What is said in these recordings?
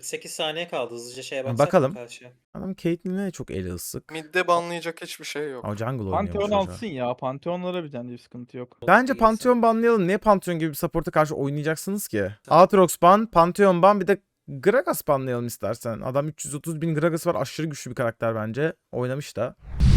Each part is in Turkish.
48 saniye kaldı. Hızlıca şeye baksak Bakalım. karşıya. Adam Caitlyn'e çok eli ısık. Mid'de banlayacak hiçbir şey yok. O jungle Pantheon oynuyormuş alsın ya. Pantheon'lara bir tane bir sıkıntı yok. Bence İyi Pantheon banlayalım. Niye Pantheon gibi bir support'a karşı oynayacaksınız ki? Aatrox ban, Pantheon ban, bir de Gragas banlayalım istersen. Adam 330 bin Gragas var. Aşırı güçlü bir karakter bence. Oynamış da.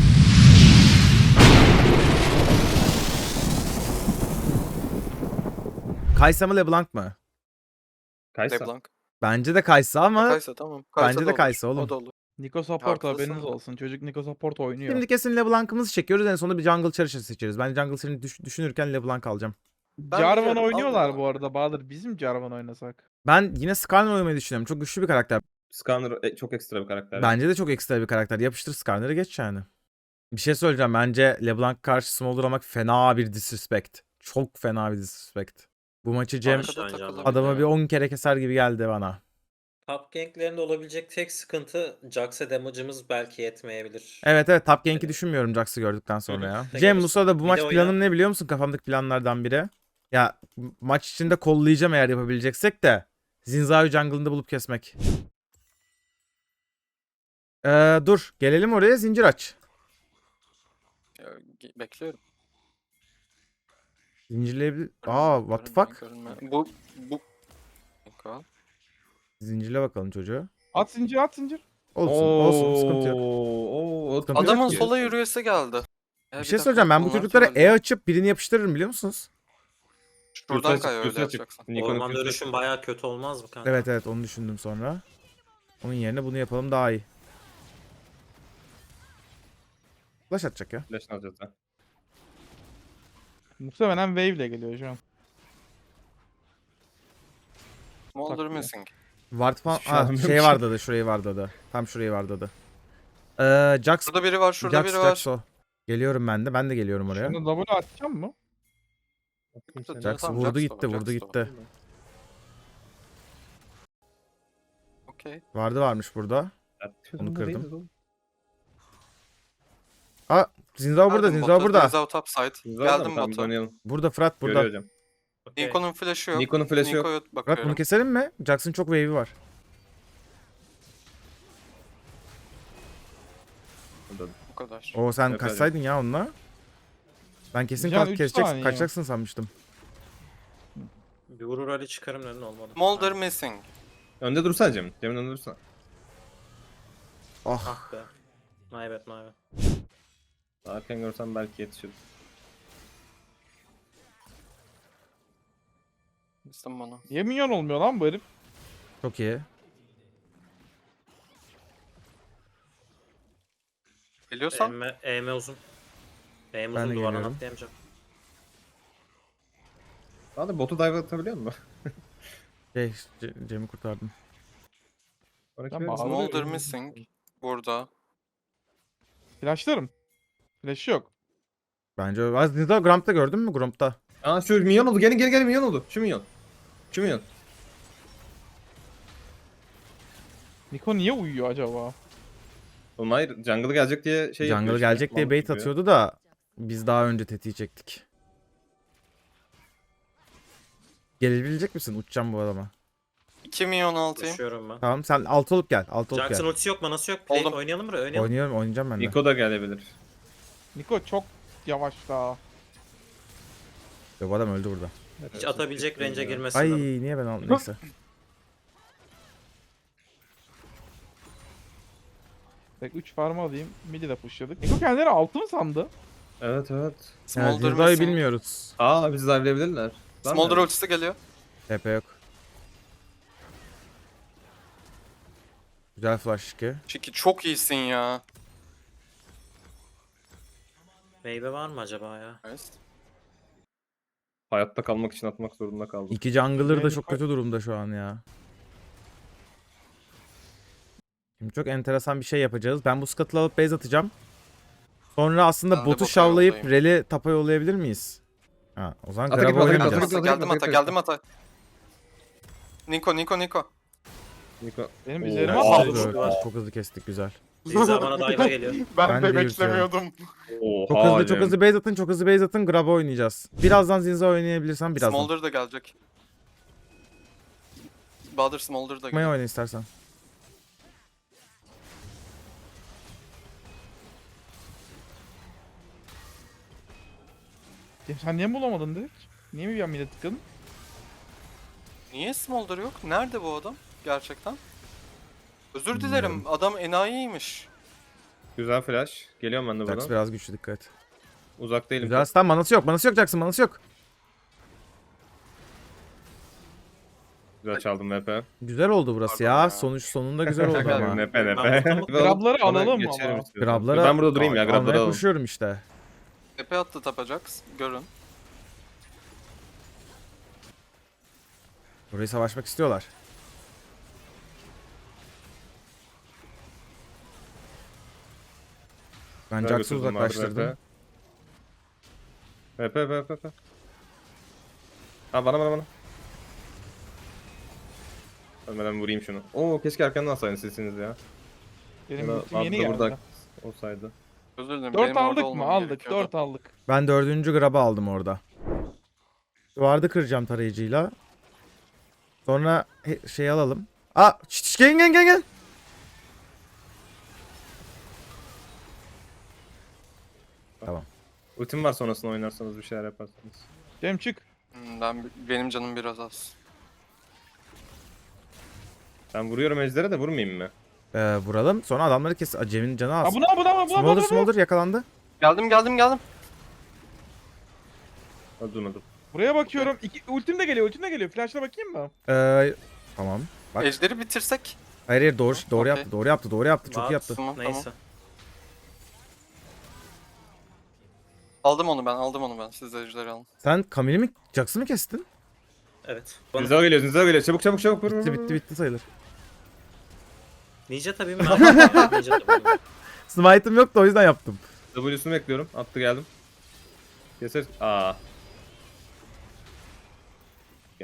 Kaysa mı LeBlanc mı? Kaysa. LeBlanc. Bence de Kaysa ama Kaysa tamam. bence da de olur. Kaysa oğlum. O da olur. Niko support Haklısın. haberiniz olsun. Çocuk Niko support oynuyor. şimdi kesin LeBlanc'ımızı çekiyoruz. En sonunda bir jungle character seçeriz. Ben jungle seçerini düşünürken LeBlanc alacağım. Jarvan biliyorum, oynuyorlar aldım bu arada Bahadır. Bizim Jarvan oynasak. Ben yine Skarner oynamayı düşünüyorum. Çok güçlü bir karakter. Skarner çok ekstra bir karakter. Bence de çok ekstra bir karakter. Yapıştır Skarner'ı geç yani. Bir şey söyleyeceğim. Bence LeBlanc karşı Smolder almak fena bir disrespect. Çok fena bir disrespect. Bu maçı Cem Arkada Aynen. takılabilir. adamı bir 10 kere keser gibi geldi bana. Top ganklerinde olabilecek tek sıkıntı Jax'a damage'ımız belki yetmeyebilir. Evet top gank'i düşünmüyorum Jax'ı gördükten sonra ya. Tek Cem gelirsin. Musa da bu Bir maç de oyna. planım ne biliyor musun? Kafamdaki planlardan biri. Ya maç içinde kollayacağım eğer yapabileceksek de. Zinza'yı jungle'ında bulup kesmek. Dur. Gelelim oraya, zincir aç. Bekliyorum. Zincirleyebilir... Görünme, What the görünme, fuck? görünme. Bu. Niko. Zincirle bakalım çocuğu. At zincir at zincir. Olsun sıkıntı yok. Oo, Sıkıntı yok Adamın ki. sola yürüyesi geldi. Bir şey söyleyeceğim, ben bu çocuklara E açıp birini yapıştırırım biliyor musunuz? Şuradan Göğsü kay açık, öyle göğsü açık. yapacaksın. Nikon'un Orman göğsü dönüşüm bayağı kötü olmaz mı kanka? Evet onu düşündüm sonra. Onun yerine bunu yapalım daha iyi. Flash atacak ya. flash'ını alacağız ha. Muhtemelen wave ile geliyor şu an. Smolder Takviye. missing. Ward falan... Hiçbir şey anlamıyorum şey ki. vardı da şurayı vardı da. Tam şurayı vardı da. Jax... Şurada biri var, şurada biri var. Jax o. Geliyorum ben de. Ben de geliyorum oraya. Şunu W atacağım mı? Jax Tamam, vurdu Jax da gitti var, vurdu Jax da gitti. Okey. Varmış burada. Onu kırdım. kırdım. Zinzao burada, Geldim Zinzao bota, burada. Zinzao top side. Geldim Tamam, bota. oynayalım. Burada Fırat burada. Görüyor hocam. Okey. Nikon'un flash'ı yok. Nikon'un flash'ı yok. Niko'ya Fırat bakıyorum. bunu keselim mi? Jax'ın çok wave'i var. Bu kadar. Oo sen Evet, kaçsaydın ya onunla. Ben kesin Can, 3 saniye. kaçacaksın sanmıştım. Bir vurur Ali çıkarım dedin olmadı. Smolder missing. Önde dursana Cem. Cem'in önünde dursana. Ah. Ah be. My bad. Arkan görsem belki yetişir. Mistim bana. Niye minyon olmuyor lan bu herif? Çok iyi. Biliyorsan EM uzun. EM Ben de uzun duvardan geliyorum. atlayamayacağım. Hadi botu dive atabiliyor musun? Cem'i kurtardım. Sonraki Ben verirsin. bağlı- Smolder missing. Burada. Flashlarım. Flash yok. Bence öyle. Zinzao Grump'ta gördün mü? Grump'ta. Aa şu minyon oldu. Gelin minyon oldu. Şu minyon. Şu minyon. Niko niye uyuyor acaba? Oğlum hayır. Jungle gelecek diye şey Jungle yapıyor gelecek işte, diye mallık bait yapıyor. atıyordu da biz daha önce tetiği çektik. Gelebilecek misin? Uçacağım bu adama. 2 milyon altayım. Koşuyorum ben. Tamam sen alt olup gel. Alt olup Jackson gel. ultisi yok, manası yok. Play Oldum. oynayalım buraya, oynayalım. Oynayacağım ben de. Niko da gelebilir. Niko çok yavaş daha. Yok, bu adam öldü burada. Hiç atabilecek range'e girmesin. Ay adam. niye ben aldım? Neyse. Tek 3 farmı alayım. Midi de pushladık. Niko kendileri altı mı sandı? Evet. Yani Smolder Zinzao'yu missing. bilmiyoruz. Aa bizi dive'leyebilirler. Lan Smolder ya. ultisi geliyor. TP yok. Güzel flash ki. Çünkü çok iyisin ya. Wave var mı acaba ya? Nice. Hayatta kalmak için atmak zorunda kaldım. İki jungler da Yani çok kötü durumda şu an ya. Şimdi çok enteresan bir şey yapacağız. Ben bu scuttle'ı alıp base atacağım. Sonra aslında Ben de botu bota şavlayıp yollayayım. rally tapa yollayabilir miyiz? Ha, o zaman Ata grab git, ata git, oynamayacağız. ata git. Geldim ata. Niko. Niko. Benim Oo. üzerime Aa, aldı. dur. Çok hızlı kestik, güzel. Zinza bana dive'a geliyor. Ben de beklemiyordum. Çok hızlı base atın, çok hızlı base atın, grab oynayacağız. Birazdan Zinza oynayabilirsem birazdan. Smolder da gelecek. Bahadır Smolder da Maya geliyor. oyna istersen. Ya sen niye bulamadın direkt? Niye mi bir an mide tıkladın? Niye Smolder yok? Nerede bu adam? Gerçekten. Özür Bilmiyorum. dilerim. Adam enayiymiş. Güzel flash. Geliyorum ben de Jax buradan. biraz güçlü, dikkat et. Uzak değilim. Güzel stun, manası yok. Manası yok Jax'ın, manası yok. Güzel çaldım VP. Güzel oldu burası Pardon ya. ya. Sonunda güzel oldu Şaka ama. Nepe nepe. Ben Grabları alalım mı ama? Grablara Ben burada durayım ya. Grabları almaya alalım. koşuyorum işte. Tepe attı Tapajax. Görün. Burayı savaşmak istiyorlar. Ben Güzel Jax'ı götürdüm, vardır uzaklaştırdım. VP. Ha bana. Ölmeden vurayım şunu. Oo keşke arkandan alsaydın sesiniz ya. Benim Ya da ultim yeni Abdü geldi. burada olsaydı. Özür dilerim. 4 benim orada aldık mı? olmam Aldık. gerekiyordu. 4 aldık. Ben 4. grabı aldım orada. Duvarda kıracağım tarayıcıyla. Sonra şey alalım. Aa, gel. Tamam. Ultim var, sonrasında oynarsanız bir şeyler yaparsınız. Cem çık. Benim canım biraz az. Ben vuruyorum ejdere de vurmayayım mı? Vuralım. Sonra adamları kes. Cem'in canı Ha az. buna. Smolder yakalandı. Geldim. Öldürmedim. Buraya bakıyorum. Ultim de geliyor. Flash'la bakayım mı? Tamam. Bak. Ejderi bitirsek. Hayır doğru Okey. yaptı. Doğru yaptı. Çok iyi yaptı. Tamam. Neyse. Aldım onu ben. Siz de ejderi alın. Sen Camille'i mi, Jax'ı mı kestin? Evet. Bana Zinzao geliyor. Çabuk. Vur. Bitti sayılır. Ninja tabii mi? Ninja tabii. Smite'ım yoktu, o yüzden yaptım. W'sunu bekliyorum. Attı geldim. Keser. Aa. Okay.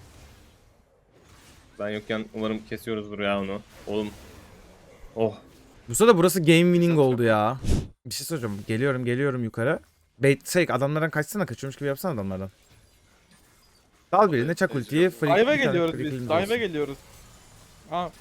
Ben yokken umarım kesiyoruzdur ya onu. Oğlum. Oh. Bu sırada burası game winning oldu ya. Bir şey soracağım. Geliyorum yukarı. Bait adamlardan kaçsana, kaçıyormuş gibi yapsana adamlardan. Dal birine çak ultiyi. free- Dive'e bir tane geliyoruz free biz. kill'imiz Dive'e olsun. geliyoruz. Ha.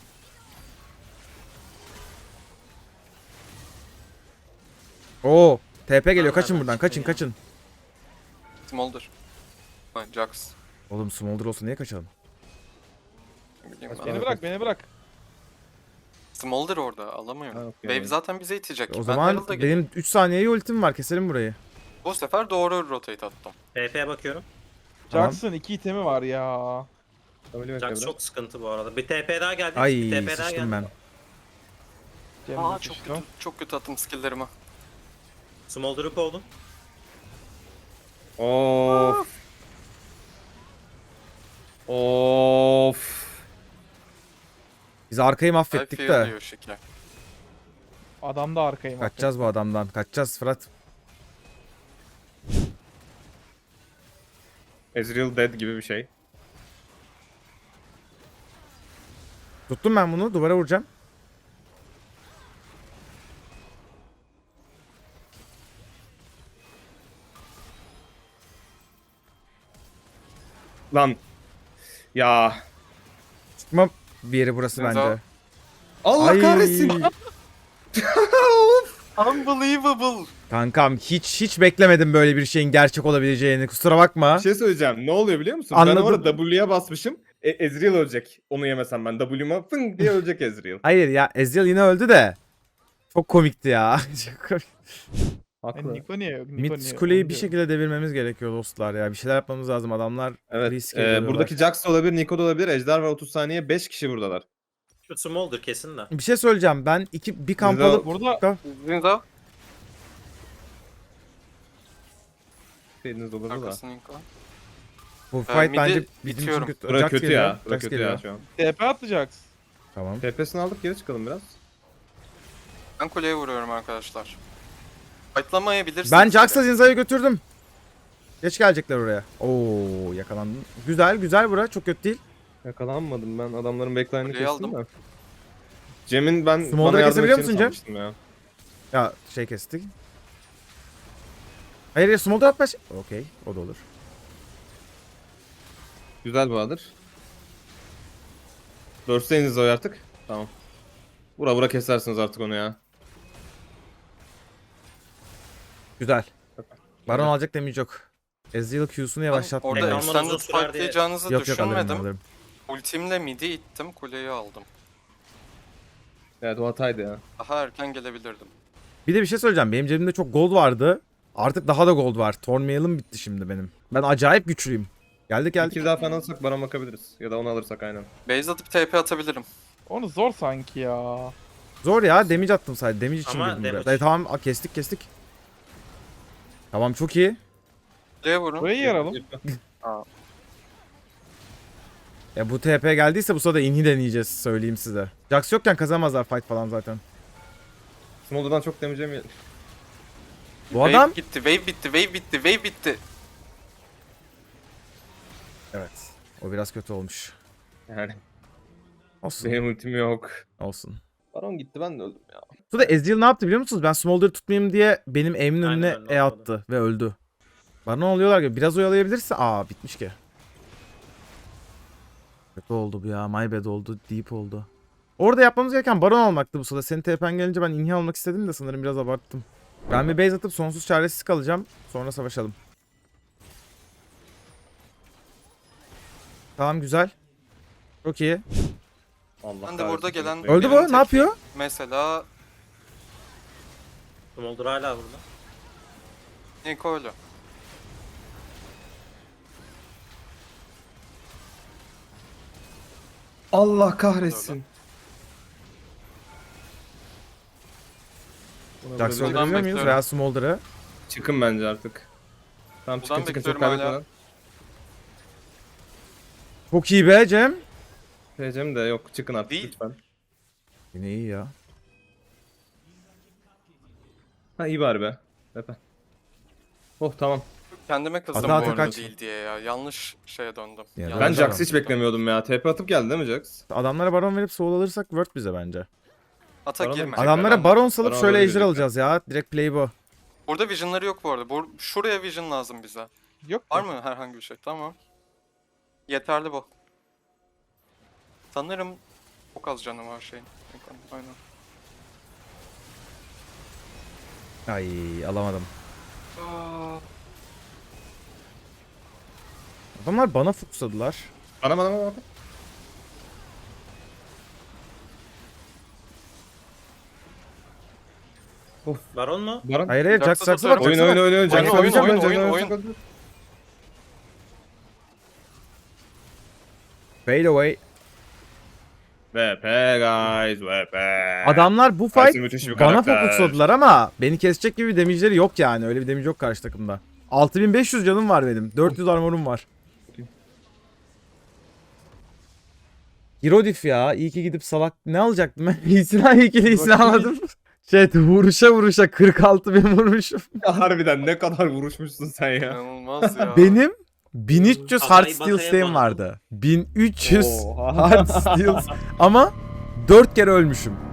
Oo, TP geliyor. Ben Kaçın nereden buradan. çıktın ya? Kaçın. Smolder. Ha, Jax. Oğlum Smolder olsa niye kaçalım? Bileyim ben. Beni bırak. Smolder orada alamıyor. Ha, okey. Wave zaten bize itecek. O Ben zaman Herald'a gideyim. benim 3 saniyeye ultim var. Keselim burayı. Bu sefer doğru rotate attım. PP'ye bakıyorum. Tamam. Jax'ın 2 itemi var ya. Jax çok sıkıntı bu arada. Bir TP daha geldi. Ay bir TP daha sıçtım geldi. ben. Cem Aa de çok sıçtı. kötü. Çok kötü attım skill'lerimi. Smolder up oldum. Of. Biz arkayı I mahvettik feel de. diyor şekil. Adam da arkayım. Kaçacağız bu adamdan. Kaçacağız Fırat. Ezreal dead gibi bir şey. Tuttum ben bunu. Duvara vuracağım. Lan. Ya. Çıkma bir yeri burası Zinzao. bence. Allah Ay. kahretsin. Unbelievable. Kankam hiç beklemedim böyle bir şeyin gerçek olabileceğini. Kusura bakma. Bir şey söyleyeceğim. Ne oluyor biliyor musun? Anladım. Ben orada W'ye basmışım. Ezreal ölecek. Onu yemesem ben. W'ma fın diye ölecek Ezreal. Hayır ya, Ezreal yine öldü de. Çok komikti ya. Çok komik. Haklı. Niko niye yok? Mid kuleyi bir şekilde devirmemiz gerekiyor dostlar ya. Bir şeyler yapmamız lazım. Adamlar Evet. risk ediyorlar. Buradaki Jax da olabilir, Nico da olabilir. Ejder var 30 saniye. 5 kişi buradalar. Şu Smolder kesin de. Bir şey söyleyeceğim. Ben bir kamp Zinzao- alıp Burada Zinzao. Şeyiniz olurdu da. Arkasını Inko. bu fight midi bence bizim için itiyorum. kötü. Bura Jax kötü geliyor, ya. Bura Jax kötü geliyor. ya şu an. TP atacaksın. Tamam. TP'sini aldık, geri çıkalım biraz. Ben kuleye vuruyorum arkadaşlar. Fightlamayabilirsiniz. Ben bile. Jax'la Zinza'yı götürdüm. Geç gelecekler oraya. Oo, yakalandın. Güzel bura. Çok kötü değil. Yakalanmadım ben. Adamların backline'ını Kuleyi kestim aldım. de. Cem'in ben Smolder'ı bana yardım kesebiliyor edeceğini musun Cem? sanmıştım ya. Ya şey kestik. Hayır, Smolder atma. Okey, o da olur. Güzel Bahadır. Burst'eniz o artık. Tamam. Vura vura kesersiniz artık onu ya. Güzel. Baron alacak damage yok. Ezreal Q'sunu yavaşlatmıyor. Orada Ama extended uzun sürer diye- fightlayacağınızı Yok yok alırım düşünmedim. alırım. Ultimle midi ittim, kuleyi aldım. Evet o hataydı ya. Daha erken gelebilirdim. Bir de bir şey söyleyeceğim. Benim cebimde çok gold vardı. Artık daha da gold var. Thornmail'im bitti şimdi benim. Ben acayip güçlüyüm. Geldik Bir geldik. kill daha falan alırsak Baron bakabiliriz. Ya da onu alırsak aynen. Base atıp TP atabilirim. Onu zor sanki ya. Zor ya. Damage attım sadece. Damage için Ama girdim buraya. damage- Tamam kestik. Tamam çok iyi. Kuleye vurun. Burayı yaralım. Ya bu TP geldiyse bu sırada inhi deneyeceğiz söyleyeyim size. Jax yokken kazanamazlar fight falan zaten. Smolder'dan çok damage yemeyelim. Bu adam... Wave gitti, wave bitti, wave bitti, wave bitti. Evet. O biraz kötü olmuş. Yani Olsun. benim ultim yok. Olsun. Baron gitti ben de öldüm ya. Sonra Ezreal ne yaptı biliyor musunuz? Ben Smolder'ı tutmayayım diye benim aim'in Aynen, önüne ben de E anladım. attı ve öldü. Bana oluyorlar gibi. Biraz oyalayabilirse... Aa bitmiş ki. Kötü oldu bu ya. My bad oldu. Deep oldu. Orada yapmamız gereken Baron almaktı bu sırada. Senin TP'n gelince ben inhi almak istedim de sanırım biraz abarttım. Ben bir base atıp sonsuz çaresiz kalacağım. Sonra savaşalım. Tamam güzel. Çok iyi. Allah Ben de burada kahretsin. gelen- Öldü bu. Ne yapıyor? Mesela Smolder hala burada. Niko öyle. Allah kahretsin. Buna Jax'ı böyle- Buradan öldürebiliyor muyuz? bekliyorum. Veya Smolder'ı. Çıkın bence artık. Tamam Buradan çıkın çok bekliyorum hala. kaybetmeden. Çok iyi be Cem. Diyeceğim de yok çıkın artık Değil. lütfen. Yine iyi ya. Ha iyi bari be. Epe. Oh tamam. Kendime kızdım Hata bu hata arada kaç. değil diye ya. Yanlış şeye döndüm. Ya Yanlış Ben Bence Jax'ı de. hiç beklemiyordum ya. TP atıp geldi değil mi Jax? Adamlara Baron verip soul alırsak word bize bence. Ata Baron'a girme. mı? Adamlara ben- Baron salıp Baron'a şöyle böyle ejder diyecekler. alacağız ya. Direkt play bu. Burada vision'ları yok bu arada. Şuraya vision lazım bize. Yok Var mu? mı herhangi bir şey? Tamam. Yeterli bu. Sanırım çok az canı var şeyin. Aynen. Ay alamadım. Adamlar bana fokusladılar. Bana. Baron mu? Baron. Hayır hayır Jax Jax'a Jax'a bak. tutarım. Jax'a bak. Oyun. Jax'ı Oyun, alacağım, oyun, Jax'ı oyun, alacağım. oyun. Fade away. VP guys VP. Adamlar bu Tyson fight müthiş bir bana karakter. fokusladılar ama beni kesecek gibi bir damage'leri yok yani. Öyle bir damage yok karşı takımda. 6500 canım var benim. 400 armorum var. Hirodif ya. İyi ki gidip salak ne alacaktım ben? İyisini iyisini almadım. Vuruşa 46.000 vurmuşum. Harbiden ne kadar vuruşmuşsun sen ya. İnanılmaz ya. Benim 1300 Kafayı hard steel masaya stay'im bana. vardı. 1300 Oha. hard steel ama 4 kere ölmüşüm.